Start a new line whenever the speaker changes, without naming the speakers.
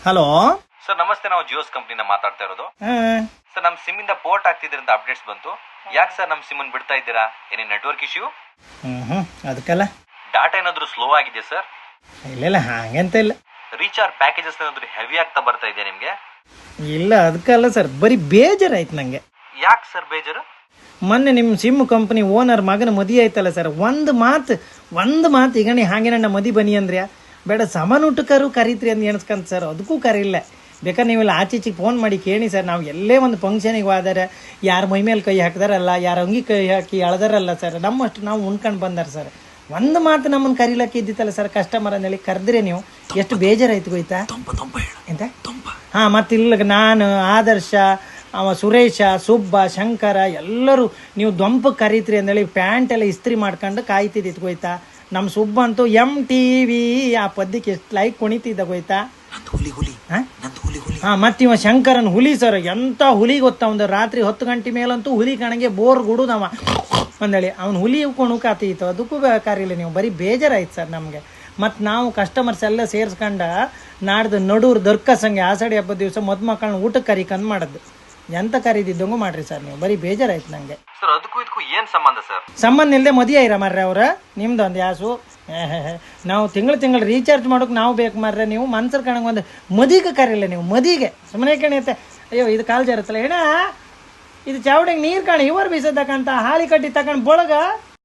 Hello
sir ನಮಸ್ತೆ, ನಾವು ಜಿಯೋಸ್ ಕಂಪ್ನಿನ ಮಾತಾಡ್ತಾ ಇರೋದು.
ಹಾಂ
ಸರ್ ನಮ್ಮ ಸಿಮ್ ಇಂದ ಪೋರ್ಟ್ ಆಗ್ತಿದ್ರಿಂದ ಅಪ್ಡೇಟ್ಸ್ ಬಂತು. ಯಾಕೆ ಸರ್ ನಮ್ಮ ಸಿಮ್ ಬಿಡ್ತಾ ಇದ್ದೀರಾ? ಏನೇ ನೆಟ್ವರ್ಕ್ ಇಶ್ಯೂ?
ಹ್ಞೂ ಅದಕ್ಕಲ್ಲ
ಡಾಟಾ ಏನಾದರೂ ಸ್ಲೋ ಆಗಿದೆ ಸರ್?
ಇಲ್ಲ ಹಾಗಂತ ಇಲ್ಲ.
ರೀಚಾರ್ಜ್ ಪ್ಯಾಕೇಜಸ್ ಏನಾದರೂ ಹೆವಿ ಆಗ್ತಾ ಬರ್ತಾ ಇದೆಯಾ ನಿಮಗೆ?
ಇಲ್ಲ ಅದಕ್ಕಲ್ಲ ಸರ್, ಬರೀ ಬೇಜಾರಾಯ್ತು ನನಗೆ.
ಯಾಕೆ ಸರ್ ಬೇಜಾರು?
ಮೊನ್ನೆ ನಿಮ್ಮ ಸಿಮ್ ಕಂಪ್ನಿ ಓನರ್ ಮಗನ ಮದುವೆ ಆಯ್ತಲ್ಲ ಸರ್, ಒಂದು ಮಾತು ಈಗ ನೀ ಹಾಗೆ ನನ್ನ ಮದಿ ಬನ್ನಿ ಅಂದ್ರೆ ಬೇಡ ಸಮಾನ ಊಟಕ್ಕರು ಕರೀತ್ರಿ ಅಂತ ಎಣಿಸ್ಕೊಂತ ಸರ್, ಅದಕ್ಕೂ ಕರೀಲ್ಲ. ಬೇಕಾದ್ರೆ ನೀವೆಲ್ಲ ಆಚೀಚಿಗೆ ಫೋನ್ ಮಾಡಿ ಕೇಳಿ ಸರ್. ನಾವು ಎಲ್ಲೇ ಒಂದು ಫಂಕ್ಷನಿಗೆ ಹೋದರೆ ಯಾರು ಮೈ ಮೇಲೆ ಕೈ ಹಾಕಿದಾರಲ್ಲ, ಯಾರು ಅಂಗಿ ಕೈ ಹಾಕಿ ಎಳ್ದಾರಲ್ಲ ಸರ್, ನಮ್ಮಷ್ಟು ನಾವು ಉಣ್ಕೊಂಡು ಬಂದಾರ ಸರ್. ಒಂದು ಮಾತು ನಮ್ಮನ್ನು ಕರೀಲಕ್ಕೆ ಇದ್ದಿತ್ತಲ್ಲ ಸರ್, ಕಸ್ಟಮರ್ ಅಂದೇಳಿ ಕರೆದ್ರೆ ನೀವು ಎಷ್ಟು ಬೇಜಾರಾಯ್ತು ಗೊತ್ತಾ? ಎಂತ ಹಾಂ, ಮತ್ತಿಲ್ಲ ನಾನು, ಆದರ್ಶ, ಅವ ಸುರೇಶ, ಸುಬ್ಬ, ಶಂಕರ ಎಲ್ಲರೂ ನೀವು ದೊಂಪಕ್ಕೆ ಕರೀತ್ರಿ ಅಂದೇಳಿ ಪ್ಯಾಂಟ್ ಎಲ್ಲ ಇಸ್ತ್ರಿ ಮಾಡ್ಕೊಂಡು ಕಾಯ್ತಿದ್ದಿತ್ತು ಗೊತ್ತಾ? ನಮ್ಮ ಸುಬ್ಬ ಅಂತೂ MTV ಆ ಪದ್ಯಕ್ಕೆ ಎಷ್ಟು ಲೈಕ್ ಕುಣಿತಿದ್ದ ಗೊತ್ತಾ? ಹಾಂ, ಮತ್ತಿವ ಶಂಕರನ್ ಹುಲಿ ಸರ್, ಎಂಥ ಹುಲಿ ಗೊತ್ತಾ? ಒಂದು ರಾತ್ರಿ 10 ಗಂಟೆ ಮೇಲಂತೂ ಹುಲಿ ಕಣಗೆ ಬೋರ್ ಗುಡುದವ ಅಂದೇಳಿ ಅವ್ನು ಹುಲಿ ಕುಣುಕಾತೀತು. ಅದಕ್ಕೂ ಬೇಕಾರಿಲ್ಲ ನೀವು, ಬರೀ ಬೇಜಾರಾಯ್ತು ಸರ್ ನಮಗೆ. ಮತ್ತು ನಾವು ಕಸ್ಟಮರ್ಸ್ ಎಲ್ಲ ಸೇರಿಸ್ಕೊಂಡು ನಾಡ್ದು ನಡೂರು ದರ್ಕ ಸಂಘ ಆಷಾಢಿ ಹಬ್ಬದ ದಿವಸ ಮಕ್ಕಳನ್ನ ಊಟಕ್ಕೆ ಕರಿಕಂದು ಮಾಡೋದು. ಎಂತ ಕರೀದಿದ್ದಂಗೂ ಮಾಡ್ರಿ ಸರ್ ನೀವು, ಬರೀ ಬೇಜಾರಾಯ್ತು ನನಗೆ
ಸರ್. ಅದಕ್ಕೂ ಇದಕ್ಕೂ ಏನು ಸಂಬಂಧ ಸರ್?
ಸಂಬಂಧ ಇಲ್ಲದೆ ಮದುವೆ ಇರ ಮಾರ್ರೆ ಅವ್ರ ನಿಮ್ದು ಒಂದು ಯಾಸು. ನಾವು ತಿಂಗಳು ರೀಚಾರ್ಜ್ ಮಾಡೋಕೆ ನಾವು ಬೇಕು ಮಾರ್ರೆ, ನೀವು ಮನ್ಸರ್ ಕಣಂಗೆ ಒಂದು ಮದಿಗೆ ಕರೀಲ್ಲ ನೀವು, ಮದಿಗೆ ಸುಮ್ಮನೆ ಕಣಿಯುತ್ತೆ. ಅಯ್ಯೋ ಇದು ಕಾಲು ಜಾರತ್ತಲ್ಲ ಏನ, ಇದು ಚಾವಡಿಗೆ ನೀರು ಕಾಣಿ ಇವರು ಬೀಸೋದಕ್ಕಂತ ಹಾಳಿ ಕಟ್ಟಿ ತಗೊಂಡು ಬಳಗ